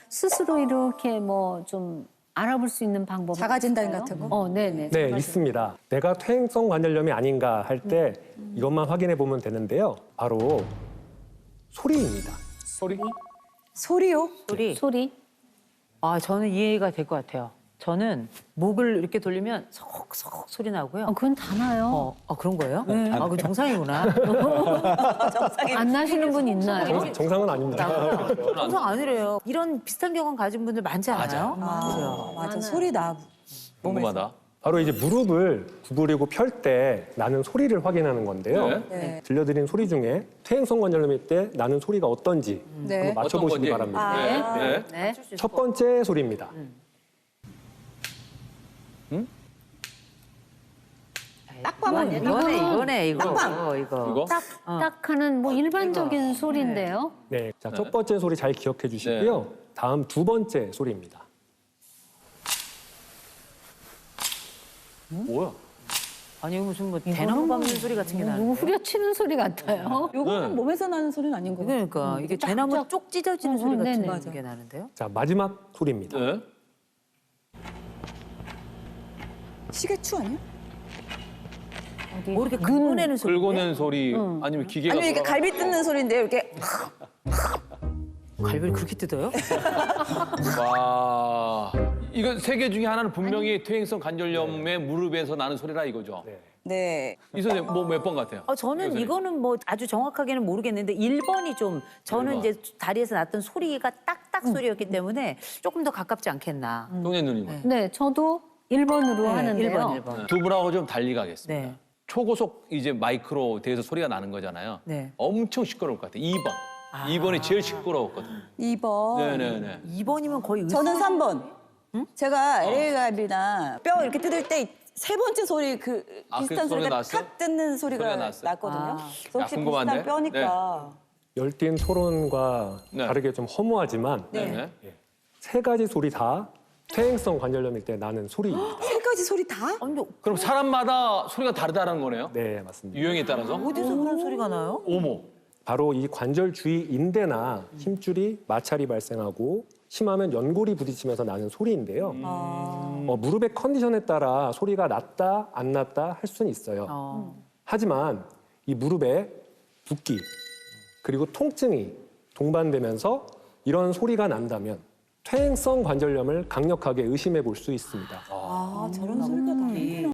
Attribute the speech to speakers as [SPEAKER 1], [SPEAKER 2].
[SPEAKER 1] 스스로 이렇게 뭐 좀 알아볼 수 있는 방법
[SPEAKER 2] 자가 진단 같은 거?
[SPEAKER 1] 네네.
[SPEAKER 3] 네, 있습니다. 내가 퇴행성 관절염이 아닌가 할 때 이것만 확인해 보면 되는데요. 바로 소리입니다.
[SPEAKER 4] 소리?
[SPEAKER 2] 소리요?
[SPEAKER 1] 소리.
[SPEAKER 5] 아, 저는 이해가 될 것 같아요. 저는 목을 이렇게 돌리면 석석 소리 나고요.
[SPEAKER 1] 그건 다 나요.
[SPEAKER 5] 그런 거예요? 아, 그건 정상이구나.
[SPEAKER 1] 안 나시는 분 있나요?
[SPEAKER 3] 정상은 아닙니다.
[SPEAKER 5] 정상 아니래요. 이런 비슷한 경험 가진 분들 많지 않아요? 맞아요.
[SPEAKER 2] 맞아. 소리 나.
[SPEAKER 4] 궁금하다.
[SPEAKER 3] 바로 이제 무릎을 구부리고 펼 때 나는 소리를 확인하는 건데요.
[SPEAKER 2] 네.
[SPEAKER 3] 들려드린 소리 중에 퇴행성 관절염일 때 나는 소리가 어떤지
[SPEAKER 2] 네.
[SPEAKER 3] 한번 맞춰보시기
[SPEAKER 4] 어떤 건지.
[SPEAKER 3] 바랍니다.
[SPEAKER 4] 네.
[SPEAKER 1] 네.
[SPEAKER 3] 첫 번째 소리입니다.
[SPEAKER 2] 딱 봐면
[SPEAKER 5] 이거네. 이거.
[SPEAKER 4] 이거?
[SPEAKER 1] 딱 하는 뭐 일반적인 소리인데요.
[SPEAKER 3] 네, 자, 첫 번째 소리 잘 기억해 주시고요. 다음 두 번째 소리입니다.
[SPEAKER 4] 뭐야?
[SPEAKER 5] 아니, 이거 무슨 뭐 대나무 밟는 소리 같은 게
[SPEAKER 1] 누구
[SPEAKER 5] 나는데.
[SPEAKER 1] 후려치는 소리 같아요.
[SPEAKER 2] 요거는 몸에서 나는 소리는 아닌 거예요.
[SPEAKER 5] 그러니까 이게 대나무 쪽 찢어지는 소리 같은
[SPEAKER 1] 네네.
[SPEAKER 5] 게 나는데요.
[SPEAKER 3] 자, 마지막 소리입니다.
[SPEAKER 4] 네.
[SPEAKER 2] 시계추 아니야?
[SPEAKER 5] 뭐 이렇게 긁어내는 소리.
[SPEAKER 4] 긁어낸 소리 아니면 기계가
[SPEAKER 2] 아니면 이게
[SPEAKER 4] 돌아가-
[SPEAKER 2] 갈비 뜯는 소리인데 이렇게
[SPEAKER 5] 갈비를 그렇게 뜯어요?
[SPEAKER 4] 와. 이거 세 개 중에 하나는 분명히 퇴행성 관절염의 무릎에서 나는 소리라 이거죠.
[SPEAKER 3] 네.
[SPEAKER 2] 네.
[SPEAKER 4] 이 선생님 뭐 몇 번 같아요?
[SPEAKER 5] 저는 이거는 뭐 아주 정확하게는 모르겠는데 1번이 좀 저는
[SPEAKER 4] 1번.
[SPEAKER 5] 이제 다리에서 났던 소리가 딱딱 소리였기 때문에 조금 더 가깝지 않겠나.
[SPEAKER 4] 동현 누님은?
[SPEAKER 1] 네, 저도 1번으로 하는데요.
[SPEAKER 5] 1번.
[SPEAKER 4] 두 분하고 좀 달리 가겠습니다.
[SPEAKER 5] 네.
[SPEAKER 4] 초고속 이제 마이크로 대해서 소리가 나는 거잖아요.
[SPEAKER 5] 네.
[SPEAKER 4] 엄청 시끄러울 것 같아요. 2번. 2번이 제일 시끄러웠거든요.
[SPEAKER 2] 2번.
[SPEAKER 4] 네네네.
[SPEAKER 5] 2번이면 거의
[SPEAKER 2] 저는 3번. 제가 LA 갈비나 뼈 이렇게 뜯을 때 세 번째 소리 그
[SPEAKER 4] 아, 그
[SPEAKER 2] 비슷한
[SPEAKER 4] 소리가
[SPEAKER 2] 소리가
[SPEAKER 4] 났어요?
[SPEAKER 2] 탁 뜯는 소리가
[SPEAKER 4] 소리가 났어요?
[SPEAKER 2] 났거든요.
[SPEAKER 5] 아.
[SPEAKER 2] 그래서 혹시
[SPEAKER 4] 궁금한데?
[SPEAKER 2] 비슷한 뼈니까.
[SPEAKER 3] 열띤 토론과
[SPEAKER 4] 네.
[SPEAKER 3] 다르게 좀 허무하지만
[SPEAKER 4] 네.
[SPEAKER 3] 세 가지 소리 다 퇴행성 관절염일 때 나는 소리입니다.
[SPEAKER 2] 세 가지 소리 다?
[SPEAKER 5] 아니,
[SPEAKER 4] 그럼 사람마다 소리가 다르다는 거네요?
[SPEAKER 3] 네, 맞습니다.
[SPEAKER 4] 유형에 따라서?
[SPEAKER 5] 어디서 그런 소리가 나요?
[SPEAKER 4] 오모.
[SPEAKER 3] 바로 이 관절 주위 인대나 힘줄이 마찰이 발생하고 심하면 연골이 부딪히면서 나는 소리인데요. 무릎의 컨디션에 따라 소리가 났다 안 났다 할 수는 있어요. 하지만 이 무릎에 붓기 그리고 통증이 동반되면서 이런 소리가 난다면 퇴행성 관절염을 강력하게 의심해 볼 수 있습니다.
[SPEAKER 2] 아, 저런 소리가 나는구나.